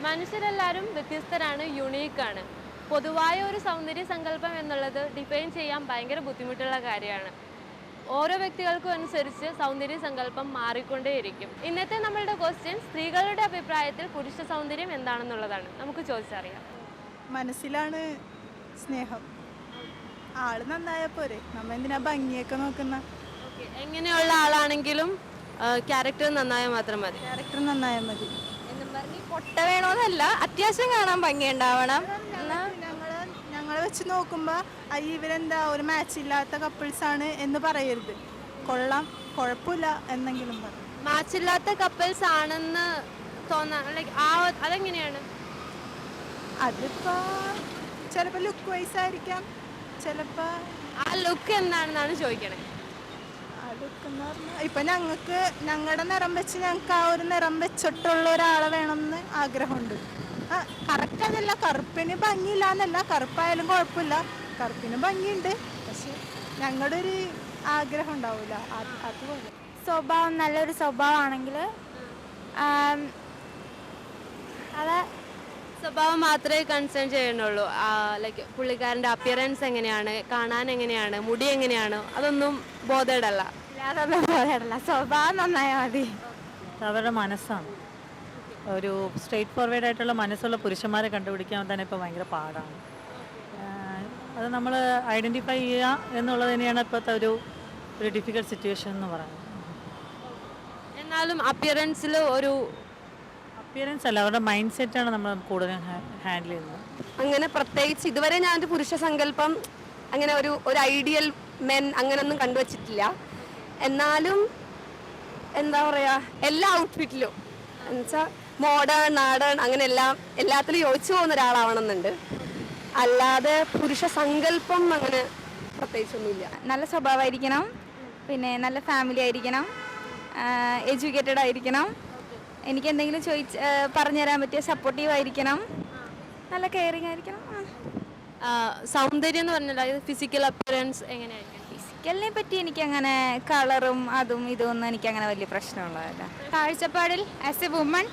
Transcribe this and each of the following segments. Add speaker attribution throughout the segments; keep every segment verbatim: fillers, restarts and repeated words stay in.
Speaker 1: മനുഷ്യരെല്ലാവരും വ്യത്യസ്തരാണ്, യുണീക്കാണ്. പൊതുവായ ഒരു സൗന്ദര്യ സങ്കല്പം എന്നുള്ളത് ഡിഫൈൻ ചെയ്യാൻ ഭയങ്കര ബുദ്ധിമുട്ടുള്ള കാര്യമാണ്. ഓരോ വ്യക്തികൾക്കും അനുസരിച്ച് സൗന്ദര്യ സങ്കല്പം മാറിക്കൊണ്ടേയിരിക്കും. ഇന്നത്തെ നമ്മളുടെ ക്വസ്റ്റ്യൻ സ്ത്രീകളുടെ അഭിപ്രായത്തിൽ പുരുഷ സൗന്ദര്യം എന്താണെന്നുള്ളതാണ്. നമുക്ക് ചോദിച്ചറിയാം.
Speaker 2: മനസ്സിലാണ് സ്നേഹം. ആള് നന്നായ പോരെ, നമ്മ എന്തിനാ ഭംഗിയൊക്കെ നോക്കുന്ന.
Speaker 1: എങ്ങനെയുള്ള ആളാണെങ്കിലും ക്യാരക്ടർ നന്നായാൽ മാത്രം മതി.
Speaker 2: ക്യാരക്ടർ നന്നായാൽ മതി
Speaker 3: എന്നും പറഞ്ഞ് പൊട്ട വേണമെന്നല്ല, അത്യാവശ്യം കാണാൻ ഭംഗിയുണ്ടാവണം.
Speaker 2: ഞങ്ങള് ഞങ്ങളെ വെച്ച് നോക്കുമ്പോൾ അയ്യ ഇവരെന്താ ഒരു മാച്ച് ഇല്ലാത്ത കപ്പിൾസ് ആണ് എന്ന് പറയരുത്. കൊള്ളാം, കുഴപ്പമില്ല എന്നെങ്കിലും പറ.
Speaker 1: മാച്ചില്ലാത്ത കപ്പിൾസ് ആണെന്ന് തോന്നാൻ ലൈക്ക് ആ അതെങ്ങനെയാണ്?
Speaker 2: അതിപ്പോ ചിലപ്പോ ലുക്ക് വൈസ് ആയിരിക്കാം, ചിലപ്പോ
Speaker 1: ആ ലുക്ക് എന്താണെന്നാണ് ചോദിക്കണേ.
Speaker 2: അതൊക്കെന്ന് പറഞ്ഞാൽ ഇപ്പൊ ഞങ്ങൾക്ക് ഞങ്ങളുടെ നിറം വെച്ച് ഞങ്ങൾക്ക് ആ ഒരു നിറം വെച്ചിട്ടുള്ള ഒരാളെ വേണമെന്ന് ആഗ്രഹമുണ്ട്. ആ കറക്റ്റ് അതല്ല, കറുപ്പിന് ഭംഗിയില്ല എന്നല്ല, കറുപ്പായാലും കുഴപ്പമില്ല, കറുപ്പിന് ഭംഗിയുണ്ട്. പക്ഷെ ഞങ്ങളുടെ ഒരു ആഗ്രഹം ഉണ്ടാവില്ല അതുപോലെ.
Speaker 3: സ്വഭാവം നല്ലൊരു സ്വഭാവമാണെങ്കിൽ അത്
Speaker 1: സ്വഭാവം മാത്രമേ കൺസേൺ ചെയ്യണുള്ളൂ. ലൈക്ക് പുള്ളിക്കാരൻ്റെ അപ്പിയറൻസ് എങ്ങനെയാണ്, കാണാൻ എങ്ങനെയാണ്, മുടി എങ്ങനെയാണ്, അതൊന്നും ബോധേഡല്ല.
Speaker 3: അതൊന്നും ബോധേഡല്ല, സ്വഭാവം നന്നായാൽ മതി.
Speaker 4: അവരുടെ മനസ്സാണ്. ഒരു സ്ട്രെയിറ്റ് ഫോർവേഡ് ആയിട്ടുള്ള മനസ്സുള്ള പുരുഷന്മാരെ കണ്ടുപിടിക്കാൻ തന്നെ ഇപ്പോൾ ഭയങ്കര പാടാണ്. അത് നമ്മൾ ഐഡൻറ്റിഫൈ ചെയ്യുക എന്നുള്ളത് തന്നെയാണ് ഇപ്പോഴത്തെ ഒരു ഒരു ഡിഫിക്കൽട്ട് സിറ്റുവേഷൻ എന്ന് പറയുന്നത്.
Speaker 1: എന്നാലും അപ്പിയറൻസിൽ ഒരു
Speaker 4: അപ്പിയറൻസ് അല്ല, അവരുടെ മൈൻഡ് സെറ്റാണ് നമ്മൾ കൂടുതലും ഹാൻഡിൽ ചെയ്യുന്നത്.
Speaker 5: അങ്ങനെ പ്രത്യേകിച്ച് ഇതുവരെ ഞാനൊരു പുരുഷ സങ്കല്പം അങ്ങനെ ഒരു ഒരു ഐഡിയൽ മെൻ അങ്ങനെയൊന്നും കണ്ടുവച്ചിട്ടില്ല. എന്നാലും എന്താ പറയുക, എല്ലാ ഔട്ട്ഫിറ്റിലും എന്നുവെച്ചാൽ മോഡേൺ നാടേൺ അങ്ങനെ എല്ലാം എല്ലാത്തിലും യോജിച്ചു പോകുന്ന ഒരാളാവണമെന്നുണ്ട്. അല്ലാതെ പുരുഷ സങ്കല്പം അങ്ങനെ പ്രത്യേകിച്ചൊന്നുമില്ല.
Speaker 3: നല്ല സ്വഭാവമായിരിക്കണം, പിന്നെ നല്ല ഫാമിലി ആയിരിക്കണം, എഡ്യൂക്കേറ്റഡ് ആയിരിക്കണം, എനിക്ക് എന്തെങ്കിലും ചോദിച്ച് പറഞ്ഞു തരാൻ പറ്റിയ സപ്പോർട്ടീവ് ആയിരിക്കണം, നല്ല കെയറിങ് ആയിരിക്കണം.
Speaker 1: സൗന്ദര്യം എന്ന് പറഞ്ഞാൽ ഫിസിക്കൽ അപ്പിയറൻസ് എങ്ങനെയായിരിക്കും?
Speaker 3: ഫിസിക്കലിനെ പറ്റി എനിക്കങ്ങനെ കളറും അതും ഇതൊന്നും എനിക്കങ്ങനെ വലിയ പ്രശ്നമുള്ളതല്ല. കാഴ്ചപ്പാടിൽ ആസ് എ വുമൺ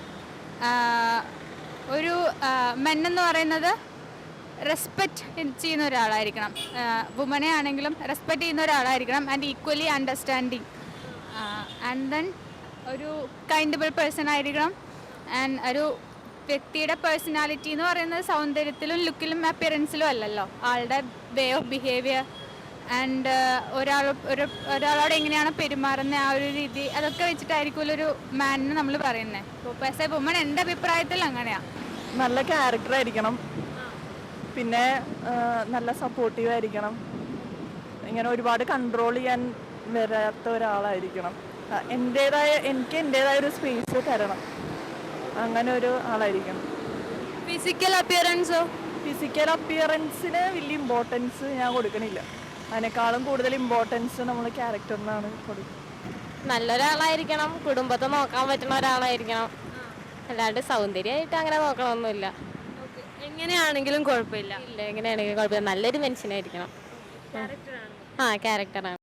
Speaker 3: ഒരു മെൻ എന്ന് പറയുന്നത് റെസ്പെക്റ്റ് ചെയ്യുന്ന ഒരാളായിരിക്കണം. വുമനെ ആണെങ്കിലും റെസ്പെക്റ്റ് ചെയ്യുന്ന ഒരാളായിരിക്കണം and equally understanding and then ഒരു കൈൻഡബിൾ പേഴ്സൺ ആയിരിക്കണം. ആൻഡ് ഒരു വ്യക്തിയുടെ പേഴ്സണാലിറ്റി എന്ന് പറയുന്നത് സൗന്ദര്യത്തിലും ലുക്കിലും അപ്പിയറൻസിലും അല്ലല്ലോ, ആളുടെ വേ ഓഫ് ബിഹേവിയർ ആൻഡ് ഒരാൾ ഒരു ഒരാളോട് എങ്ങനെയാണ് പെരുമാറുന്നത് ആ ഒരു രീതി, അതൊക്കെ വെച്ചിട്ടായിരിക്കുമല്ലോ ഒരു മാനിന് നമ്മൾ പറയുന്നത്. അപ്പോൾ ആസ് എ വുമൺ എൻ്റെ അഭിപ്രായത്തിൽ അങ്ങനെയാണ്.
Speaker 2: നല്ല ക്യാരക്ടർ ആയിരിക്കണം, പിന്നെ നല്ല സപ്പോർട്ടീവ് ആയിരിക്കണം, ഇങ്ങനെ ഒരുപാട് കൺട്രോൾ ചെയ്യാൻ വരാത്ത ഒരാളായിരിക്കണം. എൻ്റേതായ എനിക്ക് എൻ്റേതായ ഒരു സ്പേസ് തരണം, അങ്ങനെ ഒരു ആളായിരിക്കണം.
Speaker 1: ഫിസിക്കൽ അപ്പിയറൻസോ?
Speaker 2: ഫിസിക്കൽ അപ്പിയറൻസിന് വലിയ ഇമ്പോർട്ടൻസ് ഞാൻ കൊടുക്കണില്ല. അതിനേക്കാളും കൂടുതൽ ഇമ്പോർട്ടൻസ് നമ്മൾ ക്യാരക്ടറിനാണ് കൊടുക്കുന്നത്.
Speaker 6: നല്ലൊരാളായിരിക്കണം, കുടുംബത്തെ നോക്കാൻ പറ്റുന്ന ഒരാളായിരിക്കണം, അല്ലാണ്ട് സൗന്ദര്യമായിട്ട് അങ്ങനെ നോക്കണമൊന്നുമില്ല.
Speaker 1: എങ്ങനെയാണെങ്കിലും കുഴപ്പമില്ല.
Speaker 6: ഇല്ല, എങ്ങനെയാണെങ്കിലും കുഴപ്പമില്ല, നല്ലൊരു മനുഷ്യനായിരിക്കണം. ആ ക്യാരക്ടറാണ്.